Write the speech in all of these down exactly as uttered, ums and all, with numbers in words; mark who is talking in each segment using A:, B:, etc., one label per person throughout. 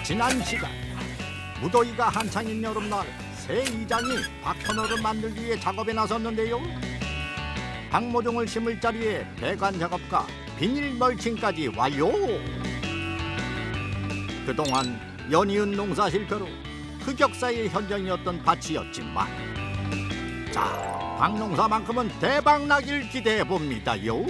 A: 지난 시간 무더위가 한창인 여름날 새 이장이 박터널을 만들기 위해 작업에 나섰는데요. 박모종을 심을 자리에 배관 작업과 비닐 멀칭까지 완료. 그동안 연이은 농사 실패로 흑역사의 현장이었던 밭이었지만 자, 박농사만큼은 대박나길 기대해봅니다요.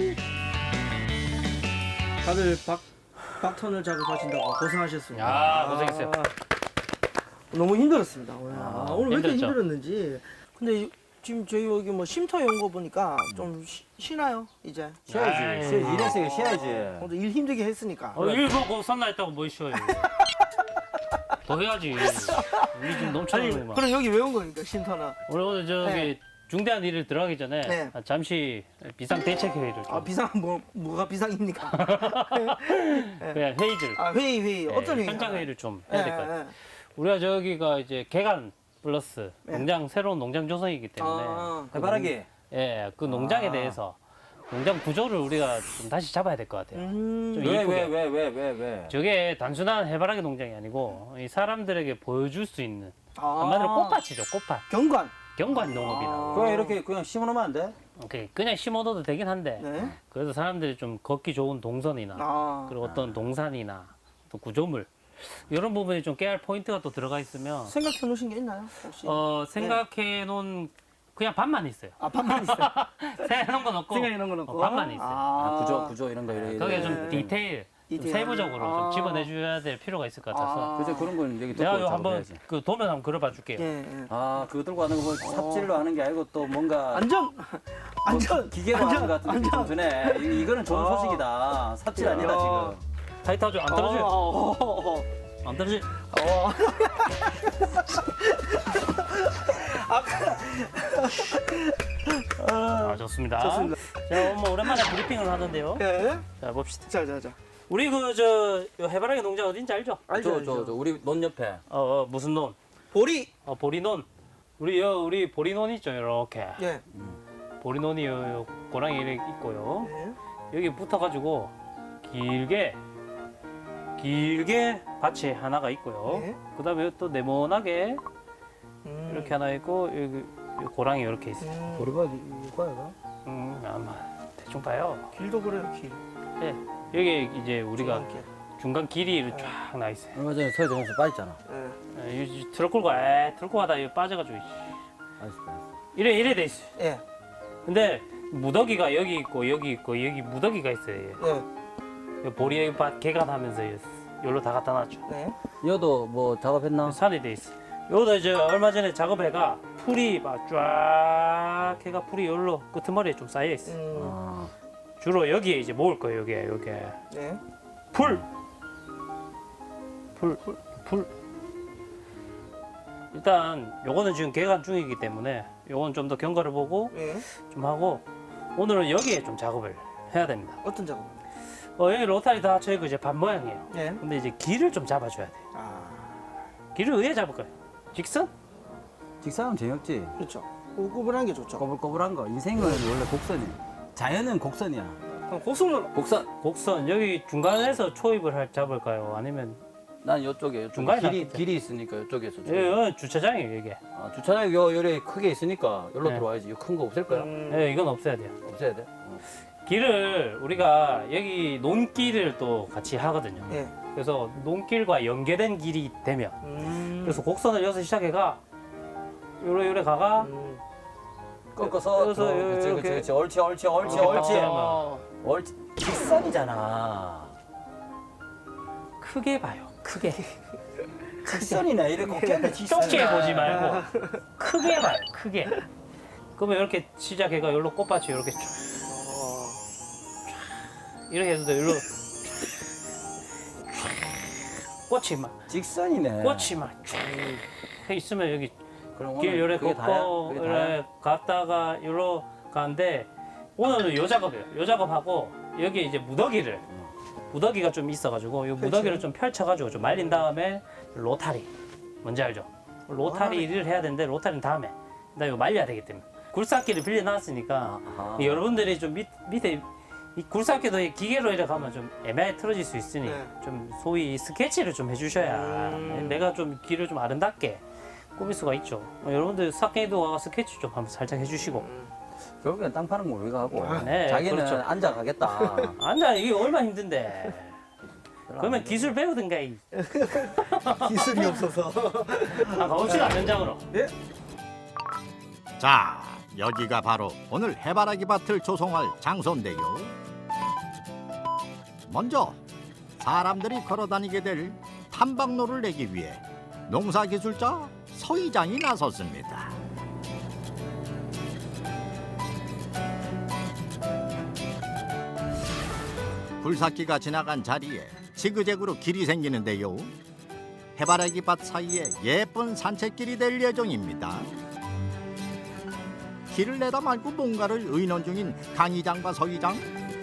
B: 다들 박, 박턴을 작업하신다고 고생하셨습니다.
C: 야, 고생했어요.
B: 아, 너무 힘들었습니다. 오늘,
C: 아,
B: 아, 오늘 왜 이렇게
C: 힘들었죠?
B: 힘들었는지. 근데 이- 지금 저희 여기 뭐 쉼터 연 거 보니까 좀 쉬, 쉬나요 이제?
C: 아이.
D: 쉬어야지. 쉬어야지. 이랬으니까 쉬어야지.
B: 오늘 일 힘들게 했으니까.
C: 어, 일 보고 선나 했다고 뭐 쉬어요. 더 해야지. 우리 지금
B: 아니
C: 넘쳐나는 거.
B: 그럼 여기 왜 온 겁니까 쉼터는?
C: 오늘 오늘 저기
B: 네.
C: 중대한 일을 들어가기 전에
B: 네.
C: 잠시 비상 대책 회의를 좀.
B: 아 비상 뭐 뭐가 비상입니까?
C: 그냥 회의를.
B: 아 회의 회의
C: 네,
B: 어떤 회의?
C: 현장 회의를 좀 해야 될 것 같아요.
B: 예, 예.
C: 우리가 저기가 이제 개간 플러스
B: 네.
C: 농장 새로운 농장 조성이기 때문에
B: 아,
C: 그
D: 해바라기.
C: 농- 예, 그 농장에
D: 아.
C: 대해서 농장 구조를 우리가 좀 다시 잡아야 될 것 같아요.
B: 음,
C: 좀
D: 왜,
C: 이쁘게.
D: 왜, 왜, 왜, 왜, 왜?
C: 저게 단순한 해바라기 농장이 아니고 이 사람들에게 보여줄 수 있는
B: 아,
C: 한마디로 꽃밭이죠, 꽃밭.
B: 경관.
C: 경관 농업이라고.
B: 아.
D: 그냥 이렇게 그냥 심어놓으면 안 돼?
C: 오케이. 그냥 심어둬도 되긴 한데
B: 네.
C: 그래서 사람들이 좀 걷기 좋은 동선이나
B: 아.
C: 그리고 어떤 동산이나 또 구조물 이런 부분이 좀 깨알 포인트가 또 들어가 있으면
B: 생각해 놓으신 게 있나요 혹시?
C: 어, 생각해 놓은 그냥 반만 있어요.
B: 아 반만 있어요.
C: 생각해 놓은 건 없고
B: 생각해 놓은 건 없고.
C: 어, 반만 있어요.
D: 아, 구조, 구조 이런 거 이래.
C: 거기에
D: 이래.
C: 좀 디테일, 좀
B: 디테일.
C: 세부적으로
B: 아.
C: 좀 집어내줘야 될 필요가 있을 것 같아서
B: 아.
D: 그죠, 그런 건 여기
C: 내가
D: 듣고
C: 요 한번
D: 작업해야지.
C: 그 도면 한번 그려봐 줄게요.
B: 예, 예.
D: 아, 그거 들고 하는 거 보면 삽질로 하는 게 아니고 또 뭔가
B: 안전 안전
D: 뭐 기계로 하는 것 같은 느낌이 좀 드네. 이- 이거는 좋은
B: 아.
D: 소식이다. 삽질 아니다,
B: 야.
D: 지금.
C: 타이트하죠? 안 떨어져요?
B: 어, 어, 어.
C: 안 떨어지?
B: 어.
C: 아, 좋습니다.
B: 좋습니다.
C: 자, 뭐 오랜만에 브리핑을 하는데요.
B: 예.
C: 자, 봅시다.
B: 자, 자, 자.
C: 우리 그 저 해바라기 농장 어딘지 알죠?
B: 알죠,
D: 저,
B: 알죠.
D: 저, 저, 우리 논 옆에.
C: 어, 어 무슨 논?
B: 보리.
C: 어, 보리논. 우리 여 우리 보리논 있죠, 이렇게.
B: 예.
C: 보리논이 요, 요 고랑이 이렇게 있고요.
B: 예.
C: 여기 붙어가지고 길게 길게 밭이 하나가 있고요.
B: 네.
C: 그다음에 또 네모나게
B: 음.
C: 이렇게 하나 있고 여기 요 고랑이 이렇게 있어요.
B: 음.
D: 보리밥 이거야,
C: 음, 아마 대충 봐요.
B: 길도 그래요, 길.
C: 네. 여기 이제 우리가
B: 중앙길.
C: 중간 길이 쫙 나 있어요.
D: 얼마 전에 서해정에서 빠졌잖아.
B: 예.
C: 에, 이 트럭 끌고 에 트럭 가다 이거 빠져가지고 이씨.
D: 빠졌어, 빠졌어.
C: 이래 이래 돼 있어. 요
B: 예.
C: 근데 무더기가 여기 있고 여기 있고 여기 무더기가 있어요.
B: 예.
C: 요 보리 밭 개간하면서 여기로 다 갖다 놨죠.
B: 네.
D: 여도 뭐 작업했나?
C: 산이 돼 있어. 여기다 이제 얼마 전에 작업해가 풀이 막 쫙 해가 풀이 여기로 끄트머리에 좀 쌓여 있어. 요
B: 음.
D: 아,
C: 주로 여기에 이제 모을 거예요. 여기에 여기에
B: 네.
C: 풀, 풀, 풀, 풀. 일단 요거는 지금 개간 중이기 때문에 요건 좀 더 경과를 보고
B: 예.
C: 좀 하고 오늘은 여기에 좀 작업을 해야 됩니다.
B: 어떤 작업?
C: 어, 여기 로타리 다 저희가 이제 반 모양이에요.
B: 예.
C: 근데 이제 길을 좀 잡아줘야 돼.
B: 아.
C: 길을 어디에 잡을까요? 직선?
D: 직사하면 재미없지.
B: 그렇죠. 꾸불꾸불한 게 좋죠.
D: 꼬불꼬불한 거. 인생은 원래 곡선이야. 자연은 곡선이야.
B: 그럼 고속으로.
D: 곡선.
C: 곡선 여기 중간에서 초입을 할 잡을까요? 아니면
D: 난 이쪽에 이쪽
C: 중간에
D: 길이
C: 놨겠죠.
D: 길이 있으니까 이쪽에서.
C: 여기 주차장이에요 이게.
D: 아, 주차장이 요 요래 크게 있으니까 여기로
C: 네.
D: 들어와야지. 이 큰 거 없을 거야.
B: 음.
C: 예, 이건 없애야 돼요.
D: 없애야 돼. 어.
C: 길을 우리가 여기 논길을 또 같이 하거든요.
B: 예.
C: 그래서 논길과 연계된 길이 되면
B: 음.
C: 그래서 곡선을 여기서 시작해가 요래 요래 가가
B: 음.
D: 꺾어서
C: 여기서
D: 들어. 그렇지
C: 이렇게.
D: 그렇지 그렇지. 옳지 옳지 옳지
C: 이렇게
D: 옳지.
C: 딱
B: 어.
D: 옳지. 직선이잖아.
C: 크게 봐요. 크게.
D: 직선이네. 이렇게 꺾였네.
C: 좁게 보지 말고 크게 봐요. 크게. 그러면 이렇게 시작해가 여기로 꽃밭이 이렇게 쫙
B: 어.
C: 이렇게 해서 여기로 꽃이 막
D: 직선이네.
C: 꽃이 막쫙 있으면 여기
D: 그럼
C: 길
D: 오늘
C: 요래
D: 그게 다야?
C: 꺾고
D: 그게 다야?
C: 요래 갔다가 요로 가는데 오늘은 요 작업이에요. 요 작업하고 여기 이제 무더기를 무더기가 좀 있어가지고 요 무더기를 좀 펼쳐가지고 좀 말린 다음에 로타리 뭔지 알죠? 로타리를 해야 되는데 로타리는 다음에 나 이거 말려야 되기 때문에 굴삭기를 빌려놨으니까
D: 아하.
C: 여러분들이 좀 밑, 밑에 이 굴삭기도 이 기계로 이렇게 가면 좀 애매하게 틀어질 수 있으니
B: 네.
C: 좀 소위 스케치를 좀 해주셔야
B: 음.
C: 내가 좀 길을 좀 아름답게 꾸밀 수가 있죠. 어, 여러분들 삭갱이도 와서 스케치 좀 한번 살짝 해주시고.
D: 결국엔 땅 파는 거 우리가 하고
C: 네,
D: 자기는
C: 그렇죠.
D: 앉아 가겠다.
C: 앉아 이게 얼마나 힘든데. 그러면 기술 배우든가 이.
B: 기술이 없어서.
C: 아, 가봅시다 현장으로.
A: 자, 여기가 바로 오늘 해바라기 밭을 조성할 장소인데요. 먼저 사람들이 걸어다니게 될 탐방로를 내기 위해 농사기술자 서이장이 나섰습니다. 굴삭기가 지나간 자리에 지그재그로 길이 생기는데요. 해바라기 밭 사이에 예쁜 산책길이 될 예정입니다. 길을 내다 말고 뭔가를 의논 중인 강이장과 서이장.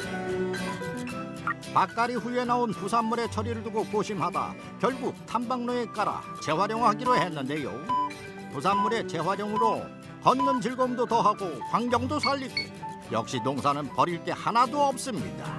A: 밭갈이 후에 나온 부산물의 처리를 두고 고심하다 결국 탐방로에 깔아 재활용하기로 했는데요. 부산물의 재활용으로 걷는 즐거움도 더하고 환경도 살리고 역시 농사는 버릴 게 하나도 없습니다.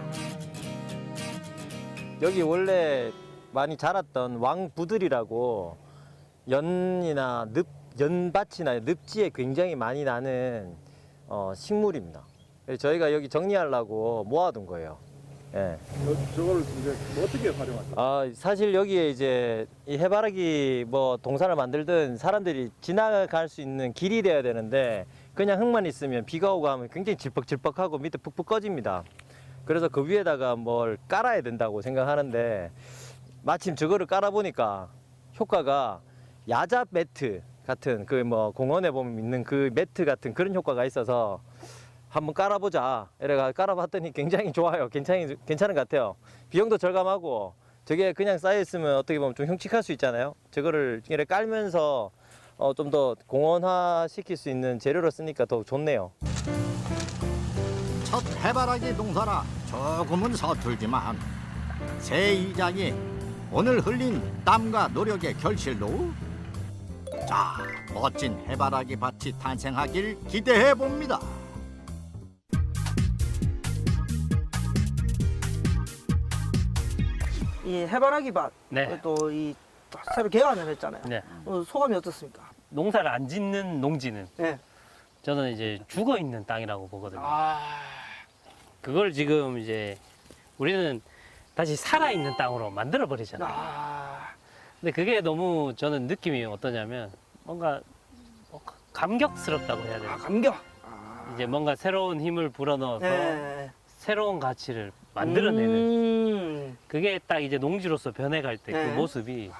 E: 여기 원래 많이 자랐던 왕부들이라고 연이나 늪, 연밭이나 늪지에 굉장히 많이 나는 어, 식물입니다. 그래서 저희가 여기 정리하려고 모아둔 거예요. 예.
F: 저걸 이제 뭐 어떻게 활용하죠?
E: 아, 사실 여기에 이제 이 해바라기 뭐 동산을 만들든 사람들이 지나갈 수 있는 길이 돼야 되는데 그냥 흙만 있으면 비가 오고 하면 굉장히 질퍽질퍽하고 밑에 푹푹 꺼집니다. 그래서 그 위에다가 뭘 깔아야 된다고 생각하는데 마침 저거를 깔아보니까 효과가 야자 매트 같은 그 뭐 공원에 보면 있는 그 매트 같은 그런 효과가 있어서 한번 깔아보자. 이래가 깔아봤더니 굉장히 좋아요. 괜찮이, 괜찮은 것 같아요. 비용도 절감하고 저게 그냥 쌓여있으면 어떻게 보면 좀 흉측할 수 있잖아요. 저거를 이렇게 깔면서 어, 좀 더 공원화 시킬 수 있는 재료로 쓰니까 더 좋네요.
A: 첫 해바라기 농사라 조금은 서툴지만 새 이장이 오늘 흘린 땀과 노력의 결실로 자 멋진 해바라기 밭이 탄생하길 기대해 봅니다.
B: 이 해바라기 밭,
C: 네.
B: 또 이 새로 개관을 했잖아요.
C: 네.
B: 어, 소감이 어떻습니까?
C: 농사를 안 짓는 농지는
B: 네.
C: 저는 이제 죽어 있는 땅이라고 보거든요.
B: 아,
C: 그걸 지금 이제 우리는 다시 살아 있는 땅으로 만들어 버리잖아요.
B: 아,
C: 근데 그게 너무 저는 느낌이 어떠냐면 뭔가 뭐 감격스럽다고 해야
B: 아
C: 되나?
B: 감격. 아,
C: 이제 뭔가 새로운 힘을 불어넣어서
B: 네.
C: 새로운 가치를 만들어내는
B: 음,
C: 그게 딱 이제 농지로서 변해갈 때 그
B: 네.
C: 모습이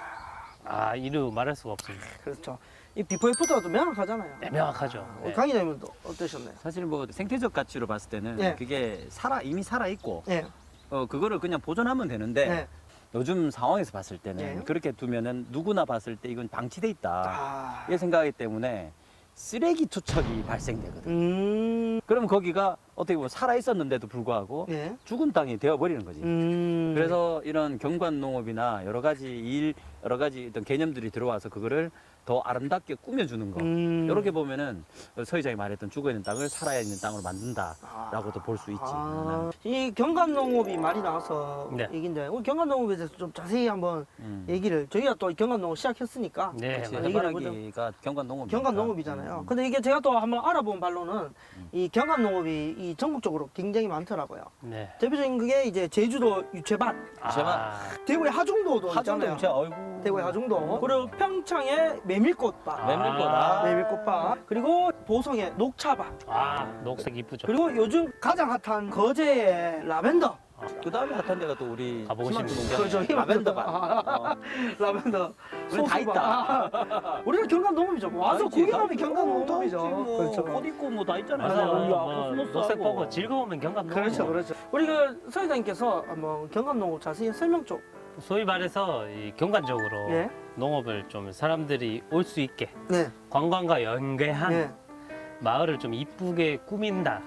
C: 아 이루 말할 수가 없습니다.
B: 그렇죠. 이 비포 애프터가 또 명확하잖아요.
C: 네, 명확하죠. 네.
B: 강의 장님도 어떠셨나요?
D: 사실 뭐 생태적 가치로 봤을 때는
B: 네.
D: 그게 살아 이미 살아 있고
B: 네.
D: 어 그거를 그냥 보존하면 되는데
B: 네.
D: 요즘 상황에서 봤을 때는
B: 네.
D: 그렇게 두면은 누구나 봤을 때 이건 방치돼 있다
B: 아,
D: 이 생각하기 때문에 쓰레기 투척이 발생되거든.
B: 음,
D: 그럼 거기가 어떻게 보면 살아 있었는데도 불구하고
B: 네.
D: 죽은 땅이 되어 버리는 거지.
B: 음,
D: 그래서 이런 경관 농업이나 여러 가지 일, 여러 가지 어떤 개념들이 들어와서 그거를 더 아름답게 꾸며주는 거.
B: 음.
D: 이렇게 보면은 서희장이 말했던 죽어 있는 땅을 살아 있는 땅으로 만든다라고도 볼 수 있지.
B: 아, 이 경관농업이 말이 나와서
C: 네.
B: 얘기인데 오늘 경관농업에 대해서 좀 자세히 한번
D: 음.
B: 얘기를 저희가 또 경관농업 시작했으니까
C: 네,
D: 그렇지.
C: 맞아요.
B: 얘기를 해보죠.
D: 해바라기가 경관 농업.
B: 경관농업이잖아요. 근데 이게 제가 또 한번 알아본 바로는 이 경관농업이 이 전국적으로 굉장히 많더라고요.
C: 네.
B: 대표적인 그게 이제 제주도 유채밭,
C: 아,
B: 대구의 하중도도
D: 하정도
B: 있잖아요.
D: 유채 어이구.
B: 대구의 하중도, 그리고 평창의 메밀꽃밭,
D: 메밀꽃아.
B: 메밀꽃밭, 그리고 보성의 녹차밭,
C: 아, 녹색 이쁘죠.
B: 그리고 요즘 가장 핫한 거제의 라벤더.
D: 그 다음에 핫한 데가 또 우리
C: 가보고
D: 희망
C: 싶네요.
D: 농장
B: 그렇죠.
D: 라벤더밭.
B: 아, 라벤더.
D: 우리 다
B: 소수밭.
D: 있다.
B: 아, 우리가 경관농업이죠. 와서
D: 아니지,
B: 구경하면
D: 다 있고,
B: 경관농업이죠.
D: 다 있지, 뭐.
B: 그렇죠.
D: 옷 입고 뭐 다 있잖아요.
B: 맞아요.
C: 맞아요.
D: 우리
C: 뭐,
D: 코스모스
C: 녹색
D: 하고.
C: 보고 즐거우면 경관 농업.
B: 그렇죠, 그렇죠. 우리 그 서회장님께서 한번 경관농업 자세히 설명 좀.
C: 소위 말해서 이 경관적으로
B: 예.
C: 농업을 좀 사람들이 올 수 있게
B: 네.
C: 관광과 연계한
B: 네.
C: 마을을 좀 이쁘게 꾸민다.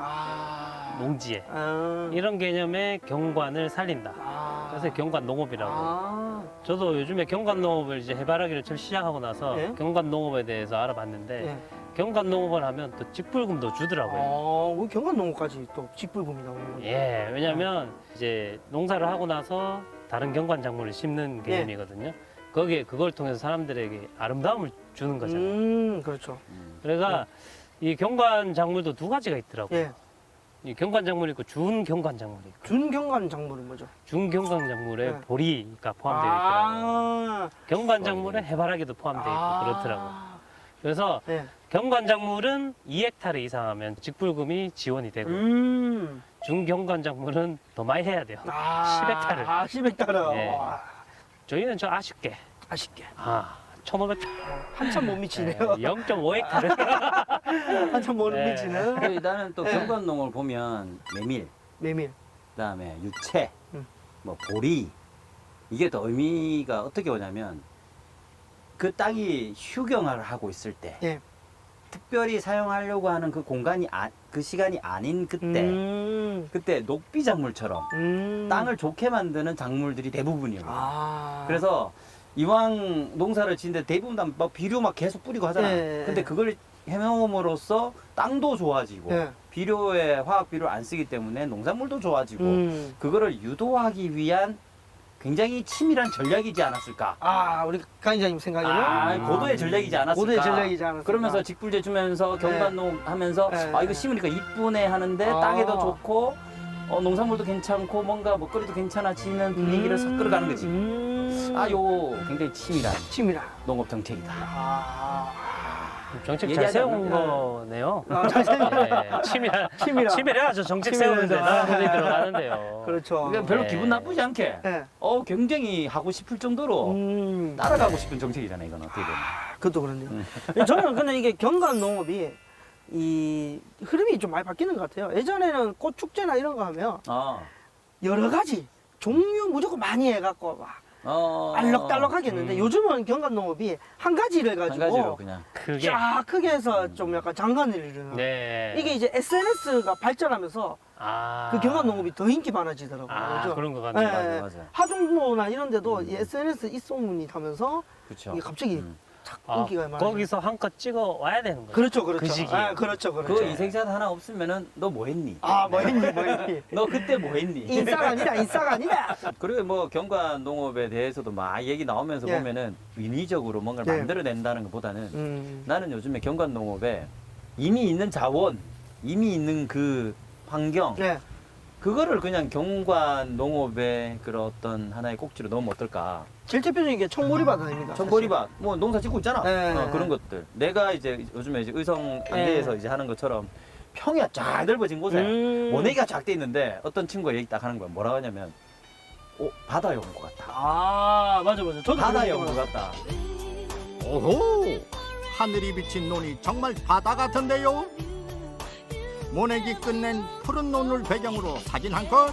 B: 아.
C: 농지에
B: 아.
C: 이런 개념의 경관을 살린다.
B: 아.
C: 그래서 경관 농업이라고.
B: 아.
C: 저도 요즘에 경관 농업을 이제 해바라기를 처음 시작하고 나서
B: 네.
C: 경관 농업에 대해서 알아봤는데
B: 네.
C: 경관농업을 하면 또 직불금도 주더라고요.
B: 어, 그 경관농업까지 또 직불금이 나오는 거예요.
C: 예, 왜냐면 이제 농사를 하고 나서 다른 경관작물을 심는
B: 예.
C: 개념이거든요. 거기에 그걸 통해서 사람들에게 아름다움을 주는 거잖아요.
B: 음, 그렇죠.
C: 그래서 이 경관작물도 두 가지가 있더라고요.
B: 예.
C: 이 경관작물이 있고 준경관작물이 있고
B: 준경관 작물은 뭐죠?
C: 준경관작물에
B: 네.
C: 보리가 포함되어 있더라고요.
B: 아,
C: 경관작물에 해바라기도 포함되어 있고 그렇더라고요. 그래서
B: 예.
C: 경관작물은 이 헥타르 이상하면 직불금이 지원이 되고
B: 음.
C: 중경관작물은 더 많이 해야 돼요.
B: 아,
C: 십 헥타르.
B: 아, 십 헥타르.
C: 예.
B: 와,
C: 저희는 좀 아쉽게
B: 아쉽게.
C: 아 천오백
B: 한참 못 미치네요.
C: 영 점 오 헥타르
B: 한참 못
C: 네.
B: 미치는.
D: 그리고 나는 또
B: 네.
D: 경관농을 보면 메밀,
B: 메밀.
D: 그다음에 유채,
B: 음.
D: 뭐 보리 이게 또 의미가 어떻게 오냐면 그 땅이 휴경을 하고 있을 때
B: 예.
D: 특별히 사용하려고 하는 그 공간이 아, 그 시간이 아닌 그때
B: 음.
D: 그때 녹비 작물처럼
B: 음.
D: 땅을 좋게 만드는 작물들이 대부분이에요.
B: 아.
D: 그래서 이왕 농사를 짓는데 대부분 다 막 비료 막 계속 뿌리고 하잖아.
B: 예.
D: 근데 그걸 해놓음으로써 땅도 좋아지고
B: 예.
D: 비료에 화학 비료를 안 쓰기 때문에 농작물도 좋아지고
B: 음.
D: 그거를 유도하기 위한 굉장히 치밀한 전략이지 않았을까?
B: 아, 우리 강의자님 생각에는
D: 아, 고도의 전략이지 않았을까?
B: 고도의 전략이지 않았을까?
D: 그러면서 직불제 주면서 경관농 하면서
B: 네.
D: 아 이거 심으니까 이쁘네 하는데
B: 아.
D: 땅에도 좋고 어, 농산물도 괜찮고 뭔가 먹거리도 괜찮아지는 분위기를 싹 끌어가는 거지.
B: 음.
D: 아, 요 굉장히 치밀한
B: 치밀하.
D: 농업 정책이다.
B: 아.
C: 정책 잘
D: 얘기하지
C: 세운
D: 않는
C: 거네요.
B: 아, 잘 세운
C: 예, 치밀한
B: 치밀하.
C: 치밀해야죠. 정책
B: 치밀해서.
C: 세우는데 나라 돈이 들어가는데요.
B: 그렇죠.
D: 그러니까 별로
C: 네.
D: 기분 나쁘지 않게
B: 예.
D: 어 굉장히 하고 싶을 정도로
B: 음.
D: 따라가고 싶은 정책이잖아요. 이건 어떻게 보면.
B: 그것도 그렇네요.
D: 음.
B: 저는 근데 이게 경관 농업이 이 흐름이 좀 많이 바뀌는 것 같아요. 예전에는 꽃 축제나 이런 거 하면
D: 아,
B: 여러 가지 종류 무조건 많이 해갖고 막
D: 어,
B: 알록달록 하겠는데
C: 음.
B: 요즘은 경관 농업이 한 가지를
D: 한
B: 가지고
D: 가지로 그냥.
C: 그게
B: 쫙 크게 해서 좀 약간 장관을 이루는
C: 네.
B: 이게 이제 에스엔에스가 발전하면서
C: 아.
B: 그 경관 농업이 더 인기 많아지더라고요.
C: 아,
B: 그죠?
C: 그런 것 같네요.
B: 예,
D: 맞아,
B: 예.
D: 맞아.
B: 하중도나 이런 데도
D: 음.
B: 이 에스엔에스 입소문이 타면서
D: 그렇죠.
B: 이게 갑자기
D: 음.
B: 착
C: 아,
B: 인기가 많아.
C: 거기서 한껏 찍어 와야 되는 거죠.
B: 그렇죠, 그렇죠.
C: 그 시기에.
B: 아, 그렇죠, 그렇죠.
D: 그 인생샷 하나 없으면은 너 뭐 했니?
B: 아, 뭐 했니, 뭐 했니.
D: 너 그때 뭐 했니?
B: 인싸가 아니다, 인싸가 아니다.
D: 그리고 뭐 경관 농업에 대해서도 막 얘기 나오면서
B: 예.
D: 보면은 인위적으로 뭔가를
B: 예.
D: 만들어낸다는 것보다는
B: 음.
D: 나는 요즘에 경관 농업에 이미 있는 자원, 이미 있는 그 환경,
B: 네.
D: 그거를 그냥 경관 농업의 그런 어떤 하나의 꼭지로 넣으면 어떨까?
B: 제일 대표적인 게 청보리밭 아닙니까?
D: 청보리밭, 뭐 농사 짓고 있잖아.
B: 네.
D: 어, 그런 것들. 내가 이제 요즘에 이제 의성 안대에서
B: 네.
D: 이제 하는 것처럼 평야 쫙 넓어진 곳에
B: 음.
D: 모내기가 쫙 돼 있는데 어떤 친구가 얘기 딱 하는 거야. 뭐라고 하냐면, 어, 바다에 온 것 같다.
B: 아, 맞아, 맞아. 저도
D: 바다에
B: 그런
D: 온
B: 거
D: 것 같다.
A: 오호! 하늘이 비친 논이 정말 바다 같은데요? 모내기 끝낸 푸른 논을 배경으로 사진 한 컷.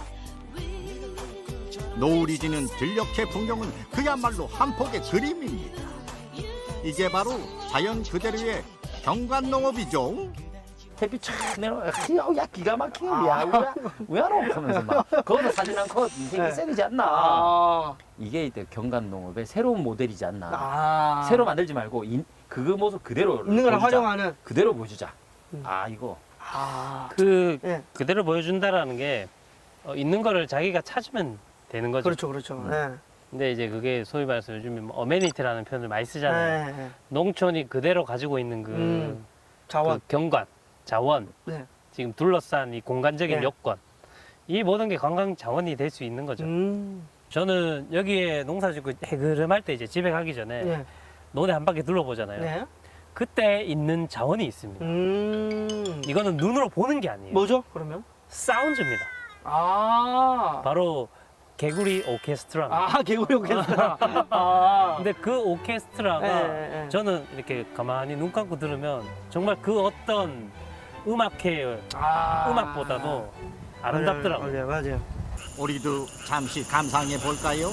A: 노을이 지는 들녘의 풍경은 그야말로 한 폭의 그림입니다. 이게 바로 자연 그대로의 경관농업이죠.
D: 햇빛 쫙 내려와. 야, 야, 기가 막혀. 야, 우야, 우야로 하면서 막. 거기서 사진 한 컷 인생이
B: 네.
D: 셀이지 않나.
B: 아.
D: 이게 이제 경관 농업의 새로운 모델이지 않나.
B: 아.
D: 새로 만들지 말고 인, 그 모습 그대로
B: 있는 걸
D: 보여주자.
B: 활용하는.
D: 그대로 보여주자.
B: 음.
D: 아, 이거.
B: 아.
C: 그
B: 예.
C: 그대로 보여준다라는 게 어, 있는 거를 자기가 찾으면 되는 거죠.
B: 그렇죠, 그렇죠.
D: 음.
B: 네.
C: 근데 이제 그게 소위 말해서 요즘에 뭐 어메니티라는 표현을 많이 쓰잖아요.
B: 네. 네.
C: 농촌이 그대로 가지고 있는 그,
B: 음. 자원.
C: 그 경관, 자원,
B: 네.
C: 지금 둘러싼 이 공간적인
B: 네.
C: 요건, 이 모든 게 관광 자원이 될 수 있는 거죠.
B: 음.
C: 저는 여기에 농사짓고 해그름할 때 이제 집에 가기 전에
B: 네.
C: 논에 한 바퀴 둘러보잖아요.
B: 네.
C: 그때 있는 자원이 있습니다.
B: 음.
C: 이거는 눈으로 보는 게 아니에요.
B: 뭐죠, 그러면?
C: 사운드입니다.
B: 아.
C: 바로 개구리 오케스트라입니다.
B: 아, 개구리 오케스트라. 아.
C: 근데 그 오케스트라가
B: 네, 네.
C: 저는 이렇게 가만히 눈 감고 들으면 정말 그 어떤 음악회
B: 아.
C: 음악보다도 아름답더라고요.
B: 맞아요, 맞아요.
A: 우리도 잠시 감상해 볼까요?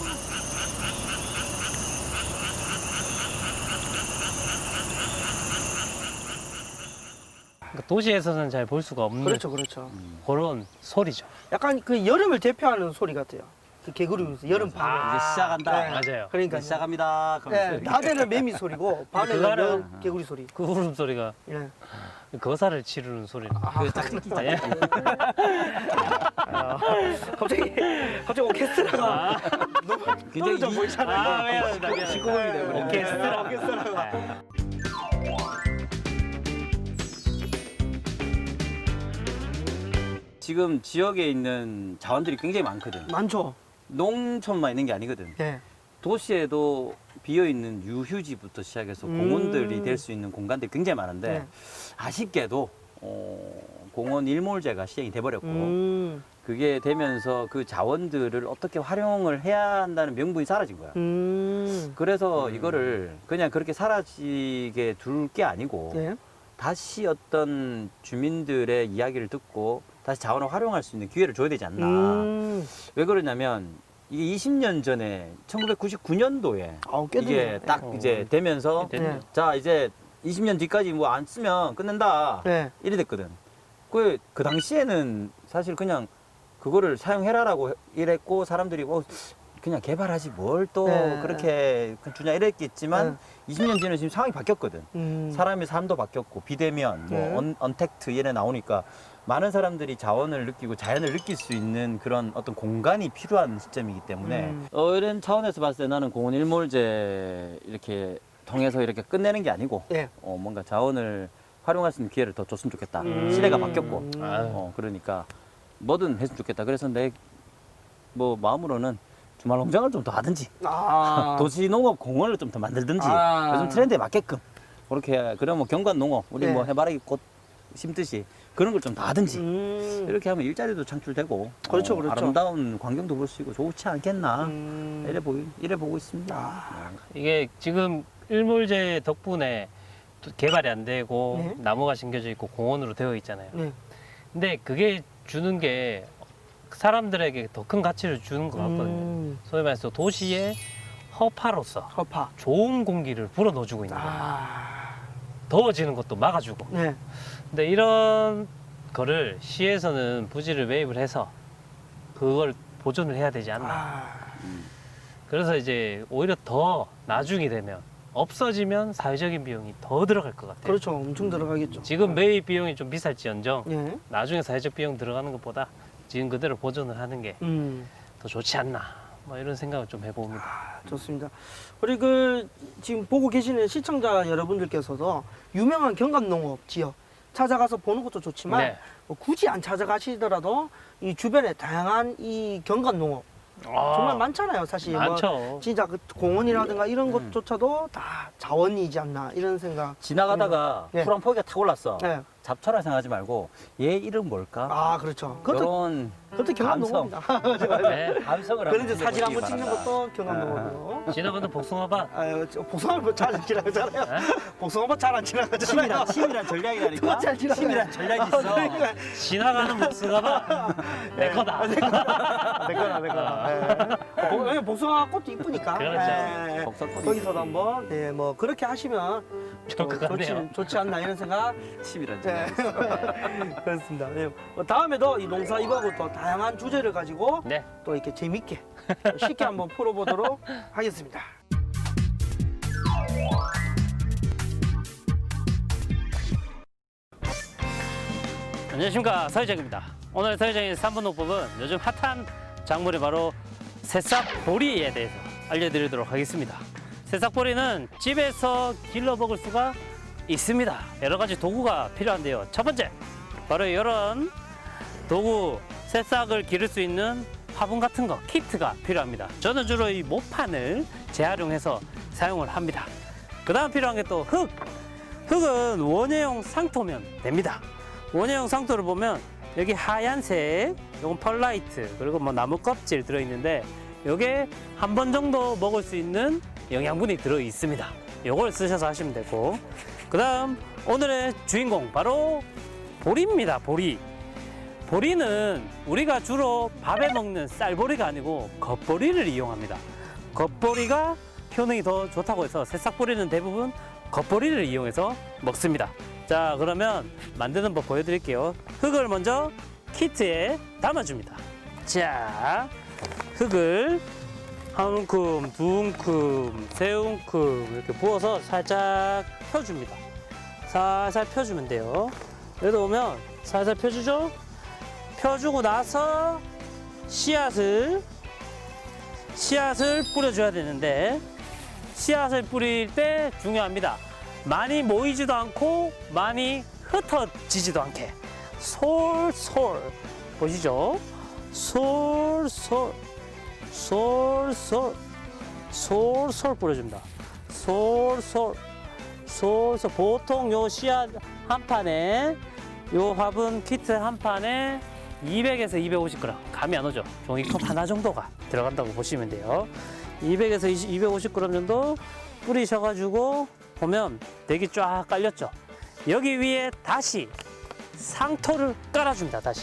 C: 그러니까 도시에서는 잘 볼 수가 없는
B: 그렇죠, 그렇죠.
C: 그런 소리죠.
B: 약간 그 여름을 대표하는 소리 같아요. 그 개구리 울면서 여름 밤에.
D: 아, 이제 시작한다.
B: 네.
C: 맞아요.
B: 그러니까
D: 이제 시작합니다.
B: 네,
D: 그러면서
B: 낮에는 매미 소리고 밤에는
C: 그거는-
B: 여- 개구리 소리.
C: 그 울음소리가
B: 예.
C: 거사를 치르는 소리는.
D: 그 딱 찍히자.
C: 예.
B: 아, 갑자기 갑자기 오케스트라가 너무
D: 굉장히
B: 떨어져
D: 이-
B: 보이잖아요.
C: 아, 미안합니다. 미안합니다.
D: 시끄러움이 돼버렸네.
C: 오케스트라.
B: 오케스트라가.
C: 네.
D: 지금 지역에 있는 자원들이 굉장히 많거든.
B: 많죠.
D: 농촌만 있는 게 아니거든.
B: 예.
D: 도시에도 비어 있는 유휴지부터 시작해서
B: 음.
D: 공원들이 될 수 있는 공간들이 굉장히 많은데
B: 네.
D: 아쉽게도 어, 공원 일몰제가 시행이 돼버렸고
B: 음.
D: 그게 되면서 그 자원들을 어떻게 활용을 해야 한다는 명분이 사라진 거야.
B: 음.
D: 그래서 이거를 그냥 그렇게 사라지게 둘 게 아니고
B: 예.
D: 다시 어떤 주민들의 이야기를 듣고 다시 자원을 활용할 수 있는 기회를 줘야 되지 않나.
B: 음.
D: 왜 그러냐면 이게 이십 년 전에 천구백구십구 년도에
B: 아우 꽤
D: 이게
B: 됐네.
D: 딱
C: 어.
D: 이제 되면서
B: 네.
D: 자 이제 이십 년 뒤까지 뭐 안 쓰면 끝낸다
B: 네.
D: 이래 됐거든. 그, 그 당시에는 사실 그냥 그거를 사용해라라고 이랬고 사람들이 뭐 그냥 개발하지 뭘 또
B: 네.
D: 그렇게 주냐 이랬겠지만
B: 네.
D: 이십 년 뒤는 지금 상황이 바뀌었거든.
B: 음.
D: 사람의 삶도 바뀌었고 비대면, 뭐
B: 네.
D: 언, 언택트 이래 나오니까 많은 사람들이 자원을 느끼고 자연을 느낄 수 있는 그런 어떤 공간이 필요한 시점이기 때문에
B: 음.
D: 어, 이런 차원에서 봤을 때 나는 공원 일몰제 이렇게 통해서 이렇게 끝내는 게 아니고
B: 예.
D: 어, 뭔가 자원을 활용할 수 있는 기회를 더 줬으면 좋겠다.
B: 음.
D: 시대가 바뀌었고
B: 음.
C: 아유.
D: 어, 그러니까 뭐든 했으면 좋겠다. 그래서 내 뭐 마음으로는 주말 농장을 좀 더 하든지
B: 아.
D: 도시 농업 공원을 좀 더 만들든지
B: 아.
D: 요즘 트렌드에 맞게끔 그렇게 그럼 뭐 경관 농업 우리
B: 네.
D: 뭐 해바라기 꽃 심듯이 그런 걸 좀 더 하든지
B: 음.
D: 이렇게 하면 일자리도 창출되고
B: 그렇죠,
D: 어,
B: 그렇죠.
D: 아름다운 광경도 볼 수 있고 좋지 않겠나
B: 음.
D: 이래 보이 이래 보고 있습니다.
B: 아.
C: 이게 지금 일몰제 덕분에 또 개발이 안 되고
B: 네.
C: 나무가 심겨져 있고 공원으로 되어 있잖아요.
B: 네.
C: 근데 그게 주는 게 사람들에게 더 큰 가치를 주는 것 같거든요.
B: 음.
C: 소위 말해서 도시의 허파로서
B: 허파.
C: 좋은 공기를 불어 넣어주고 있는 거예요.
B: 아.
C: 더워지는 것도 막아주고.
B: 네.
C: 근데 이런 거를 시에서는 부지를 매입을 해서 그걸 보존을 해야 되지 않나.
B: 아.
C: 그래서 이제 오히려 더 나중이 되면 없어지면 사회적인 비용이 더 들어갈 것 같아요.
B: 그렇죠. 엄청 들어가겠죠.
C: 지금 매입 비용이 좀 비쌀지언정
B: 예.
C: 나중에 사회적 비용 들어가는 것보다 지금 그대로 보존을 하는 게 더
B: 음.
C: 좋지 않나. 뭐 이런 생각을 좀 해봅니다.
B: 좋습니다. 우리 그 지금 보고 계시는 시청자 여러분들께서도 유명한 경감농업 지역 찾아가서 보는 것도 좋지만
C: 네.
B: 뭐 굳이 안 찾아가시더라도 이 주변에 다양한 이 경감농업 정말 많잖아요. 사실 뭐
C: 많죠.
B: 진짜 그 공원이라든가 이런
D: 음.
B: 것조차도 다 자원이지 않나 이런 생각.
D: 지나가다가
B: 네.
D: 푸른 포기가 탁 올랐어.
B: 네.
D: 잡초라 생각하지 말고 얘 이름 뭘까?
B: 아 그렇죠. 그것도
D: 그런
B: 그것도
D: 감성.
B: 경감농업입니다.
C: 네.
D: 감성을
B: 그런
D: 한번
B: 데 사진 한번
D: 느껴보시기
B: 찍는
D: 바란다.
B: 것도 경감농업이고.
C: 지나가는 복숭아밭.
B: 아유, 저 복숭아밭 잘안 지나가잖아요. 복숭아밭 잘안 지나가잖아요.
D: 치밀한, 치밀한 전략이라니까.
B: 그거 잘 지나가요.
D: 치밀한 전략이 있어.
B: 그러니까
C: 지나가는 복숭아밭. 내 거다.
B: 내 거다, 내 거다. 예. 복- 왜냐면 복숭아 꽃도 이쁘니까.
C: 그렇죠.
B: 예.
D: 복숭아꽃이
B: 거기서도 한번, 네, 뭐, 그렇게 하시면
C: 좋을 것
B: 어,
C: 같네요.
B: 좋지, 좋지 않나 이런 생각.
D: 치밀한
B: 네.
D: 전략.
B: 그렇습니다. 네. 뭐 다음에도 이 농사 이거하고 또 다양한 주제를 가지고
C: 네.
B: 또 이렇게 재밌게 쉽게 한번 풀어보도록 하겠습니다.
C: 안녕하십니까, 서희정입니다. 오늘 서희정의 삼 분 농법은 요즘 핫한 작물이 바로 새싹보리에 대해서 알려드리도록 하겠습니다. 새싹보리는 집에서 길러 먹을 수가 있습니다. 여러 가지 도구가 필요한데요. 첫 번째, 바로 이런 도구, 새싹을 기를 수 있는 화분 같은 거, 키트가 필요합니다. 저는 주로 이 모판을 재활용해서 사용을 합니다. 그 다음 필요한 게 또 흙. 흙은 원예용 상토면 됩니다. 원예용 상토를 보면 여기 하얀색, 이건 펄라이트, 그리고 뭐 나무 껍질 들어있는데 요게 한 번 정도 먹을 수 있는 영양분이 들어 있습니다. 요걸 쓰셔서 하시면 되고, 그 다음 오늘의 주인공 바로 보리입니다. 보리. 보리는 우리가 주로 밥에 먹는 쌀보리가 아니고 겉보리를 이용합니다. 겉보리가 효능이 더 좋다고 해서 새싹보리는 대부분 겉보리를 이용해서 먹습니다. 자, 그러면 만드는 법 보여드릴게요. 흙을 먼저 키트에 담아줍니다. 자, 흙을 한 움큼, 두 움큼, 세 움큼 이렇게 부어서 살짝 펴줍니다. 살살 펴주면 돼요. 여기 오면 살살 펴주죠? 펴주고 나서 씨앗을 씨앗을 뿌려줘야 되는데 씨앗을 뿌릴 때 중요합니다. 많이 모이지도 않고 많이 흩어지지도 않게 솔솔 보시죠? 솔솔 솔솔 솔솔 뿌려줍니다. 솔솔 솔솔 보통 요 씨앗 한 판에 요 화분 키트 한 판에 이백에서 이백오십 그램 감이 안 오죠? 종이컵 하나 정도가 들어간다고 보시면 돼요. 이백에서 이백오십 그램 정도 뿌리셔가지고 보면 대기 쫙 깔렸죠? 여기 위에 다시 상토를 깔아줍니다. 다시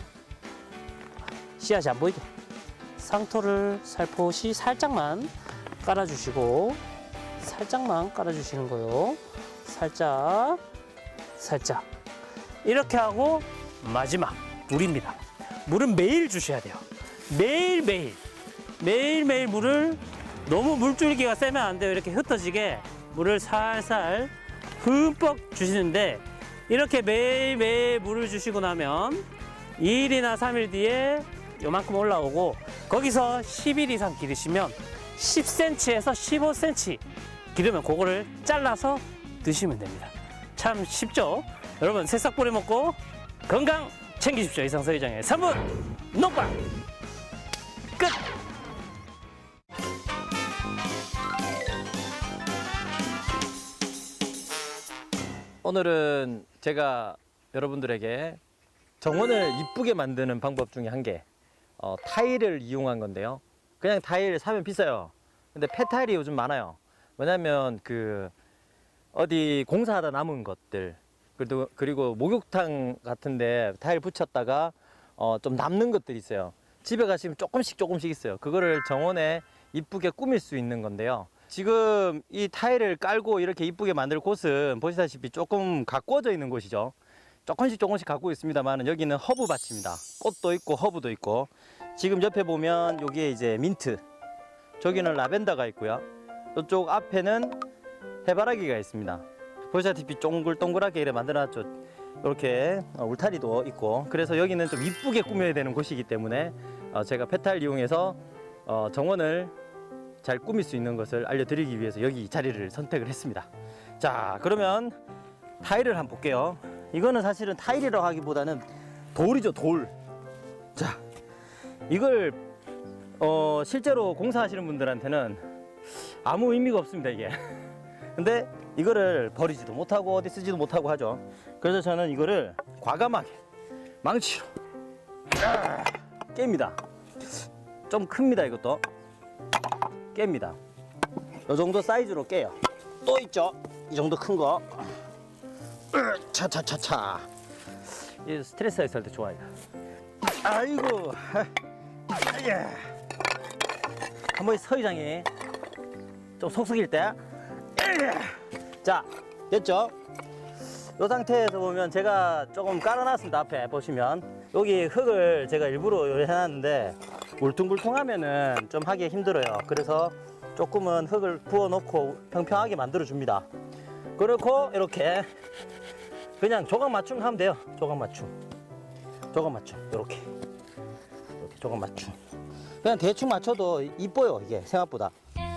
C: 씨앗이 안 보이게 상토를 살포시 살짝만 깔아주시고 살짝만 깔아주시는 거요. 살짝 살짝 이렇게 하고 마지막 물입니다. 물은 매일 주셔야 돼요. 매일매일 매일매일 물을 너무 물줄기가 세면 안 돼요. 이렇게 흩어지게 물을 살살 흠뻑 주시는데 이렇게 매일매일 물을 주시고 나면 이 일이나 삼 일 뒤에 요만큼 올라오고 거기서 십 일 이상 기르시면 십 센티미터에서 십오 센티미터 기르면 그거를 잘라서 드시면 됩니다. 참 쉽죠? 여러분 새싹 뿌리 먹고 건강 챙기십시오. 이상 서회장의 삼 분 농방 끝!
E: 오늘은 제가 여러분들에게 정원을 이쁘게 만드는 방법 중에 한 개, 어, 타일을 이용한 건데요. 그냥 타일 사면 비싸요. 근데 폐타일이 요즘 많아요. 왜냐면 그 어디 공사하다 남은 것들, 그리고, 그리고 목욕탕 같은데 타일 붙였다가 어, 좀 남는 것들이 있어요. 집에 가시면 조금씩 조금씩 있어요. 그거를 정원에 이쁘게 꾸밀 수 있는 건데요. 지금 이 타일을 깔고 이렇게 이쁘게 만들 곳은 보시다시피 조금 가꾸어져 있는 곳이죠. 조금씩 조금씩 갖고 있습니다만 여기는 허브밭입니다. 꽃도 있고 허브도 있고 지금 옆에 보면 여기에 이제 민트, 저기는 라벤더가 있고요. 이쪽 앞에는 해바라기가 있습니다. 보시다시피 동글동글하게 이렇게 만들어놨죠. 이렇게 울타리도 있고 그래서 여기는 좀 이쁘게 꾸며야 되는 곳이기 때문에 제가 폐타일 이용해서 정원을 잘 꾸밀 수 있는 것을 알려드리기 위해서 여기 이 자리를 선택을 했습니다. 자, 그러면 타일을 한번 볼게요. 이거는 사실은 타일이라고 하기보다는 돌이죠, 돌. 자, 이걸 어, 실제로 공사하시는 분들한테는 아무 의미가 없습니다, 이게. 근데 이거를 버리지도 못하고 어디 쓰지도 못하고 하죠. 그래서 저는 이거를 과감하게 망치로 깹니다. 좀 큽니다, 이것도. 깹니다. 이 정도 사이즈로 깨요. 또 있죠? 이 정도 큰 거. 차차차차. 이 스트레스가 있을 때 좋아요. 아이고. 예. 한번 서의장이 좀 속썩일 때. 자, 됐죠? 이 상태에서 보면 제가 조금 깔아놨습니다. 앞에 보시면 여기 흙을 제가 일부러 해놨는데 울퉁불퉁하면은 좀 하기 힘들어요. 그래서 조금은 흙을 부어놓고 평평하게 만들어 줍니다. 그렇고 이렇게 그냥 조각 맞춤 하면 돼요. 조각 맞춤, 조각 맞춤 이렇게 이렇게 조각 맞춤. 그냥 대충 맞춰도 이뻐요. 이게 생각보다.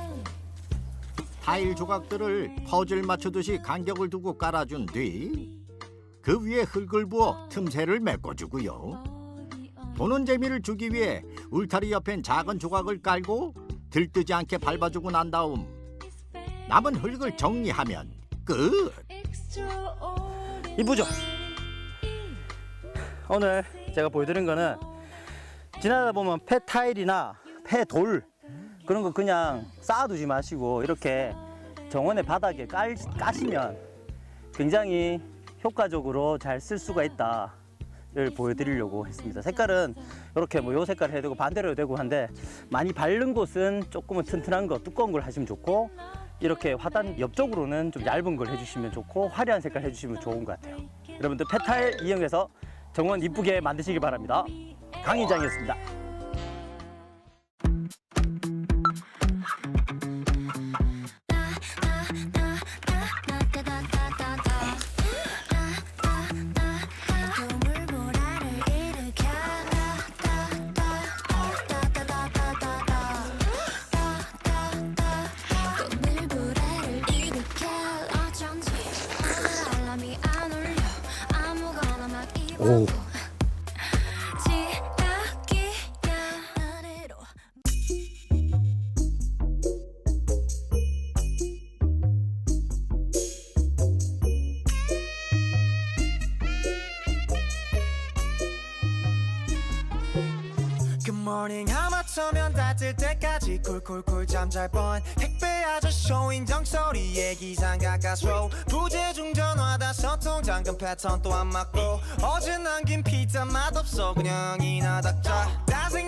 A: 타일 조각들을 퍼즐 맞추듯이 간격을 두고 깔아준 뒤 그 위에 흙을 부어 틈새를 메꿔주고요. 보는 재미를 주기 위해 울타리 옆엔 작은 조각을 깔고 들뜨지 않게 밟아주고 난 다음 남은 흙을 정리하면 끝!
E: 이쁘죠? 오늘 제가 보여드린 거는 지나다 보면 폐타일이나 폐돌 그런 거 그냥 쌓아두지 마시고 이렇게 정원의 바닥에 깔, 까시면 굉장히 효과적으로 잘 쓸 수가 있다를 보여드리려고 했습니다. 색깔은 이렇게 뭐 요 색깔 해도 되고 반대로 해도 되고 한데 많이 바른 곳은 조금은 튼튼한 거 두꺼운 걸 하시면 좋고 이렇게 화단 옆쪽으로는 좀 얇은 걸 해주시면 좋고 화려한 색깔 해주시면 좋은 것 같아요. 여러분들 폐타일 이용해서 정원 이쁘게 만드시기 바랍니다. 강의장이었습니다.
D: 오.
G: 굿모닝 하마터면 다 뜰 때까지 쿨쿨쿨 잠잘 뻔 택배 아저씨 인정 소리에 기상 가까스로 부재중 전화다 소통 잠금 패턴 또 안 맞고 어제 남긴 피자 맛없어 그냥 이나 닥자 짜증